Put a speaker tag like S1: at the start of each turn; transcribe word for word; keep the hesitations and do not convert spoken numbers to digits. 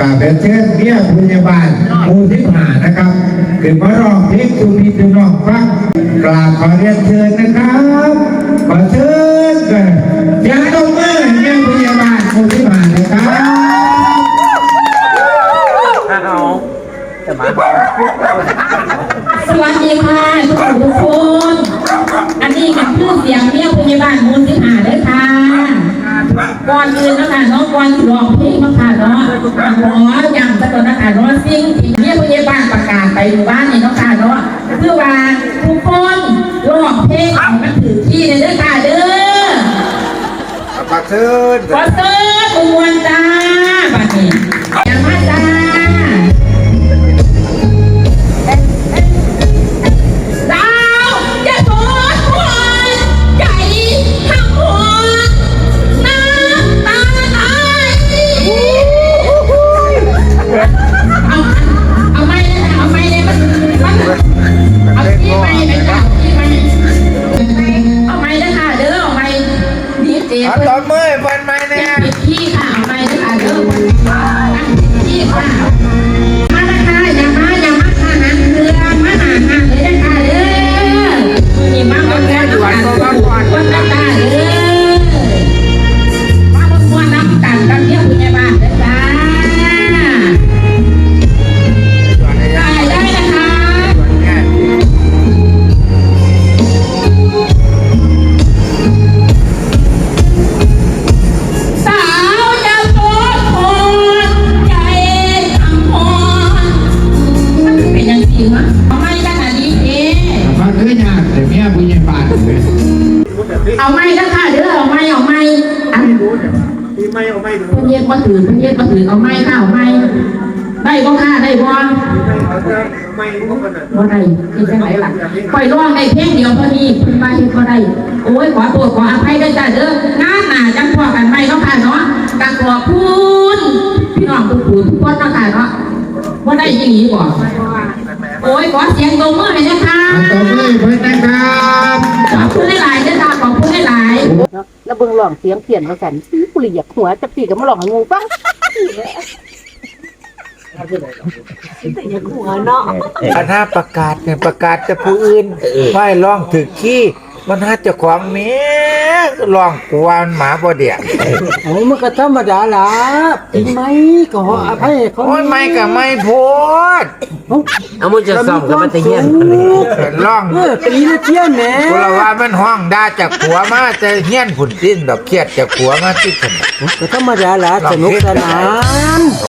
S1: ราบเชิญเมียพยาบาลหมู่สิบห้านะครับขึ้นมาร้องเพลงสุพีสุน้องฟังกราบขอเรียนเชิญนะครับขอเชิญกันอย่าต้องเมื่อเมียพยาบาลหมู่สิบห้านะครับ
S2: สวัสดีค่ะทุกคนทุกคนอันนี้กับเพื่อนเสียงเมียพยาบาลมูลสิหาเลยค่ะก่อนอื่นนะคะน้องก่อนร้องเพลงนะคะเนาะหมออย่างตะกอนนะคะเนาะสิ่งที่เมียพยาบาลประกาศไปหมู่บ้านนี่เนาะค่ะเนาะเพื่อว่าทุกคนร้องเพลงมันถือที่ในเด้อค่ะเด้อ
S1: ขอเชิญ
S2: ขอเชิญอุมวนจ้าบัดนี้อย่ามาจ้า
S1: ตบมือเปิดไม้เนี่ย
S2: พี่ค่ะเอาไปเลยค่ะเด้อพี่ค่ะมาละค่ะอย่ามาอย่ามาค่ะหันเรือมาหาหาเลยนะคะเด้อมีมาบนแก้วด่วนก่อนก่อนก่อนตาตาเด้อมาบนม้วนน้ำกันกันเที่ยวคุณยายบ้านเด้อจ้าได้ได้นะคะเอาไม่ขนาดนี้เอง
S1: ฟังเรื่องยากแต่เมียพยาบาลเลย
S2: เอาไม่ก็ค่ะเด้อเอาไม่เอาไม่อันไม่เอาไม่เพิ่นเย็ดมาถือเพิ่นเย็ดมาถือเอาไม่ค่ะเอาไม่ได้บ่ค่ะได้บ่บ่ได้ที่จังไหนล่ะปล่อยร้องได้เพลงเดียวพอดีเพิ่นว่าเฮ็ดบ่ได้โอ้ยขอโทษขออภัยด้วยจ้าเด้องานหน้าจังพอกันใหม่เนาะค่ะเนาะก็ขอบคุณพี่น้องทุกผู้ทุกคนเนาะค่ะเนาะบ่ได้อีหลีบ่โอ้ยขอเสียงตบมือให้นะคะ
S1: ตบมือเพื่อนนะครับ
S2: ขอบคุณหลายๆนะคะขอบคุณหลาย
S3: ๆแล้วเบิ่งหลองเสียงเขียนมาสั่นกูเลยอยากหัวจะปีกับมาหลองให้งูฟังอยากหัวเนาะ
S1: อันน่าประกาศเนี่ยประกาศจะผู้อื่นไหว้ร้องถึกขี้มันหาเจ้าของเมียร้องกวนหมาบ่เดีย
S3: โอ้มันก็ธรรมดาล่ะจริงไหมก็ขออภัยเขา
S1: โอ้ยไม่กับไม่โพด
S4: เอามันจะซ่อมกับมันตะเฮียน
S1: ร้อง
S3: เออตีละเที่ยนแหน่
S1: กูละว่ามันห้องด่าจากผัวมาแต่เฮียนผุนสิ้นดอกเครียดจากผัวมาที่ถนน
S3: ก็ธรรมดาล่ะสนุกสนาน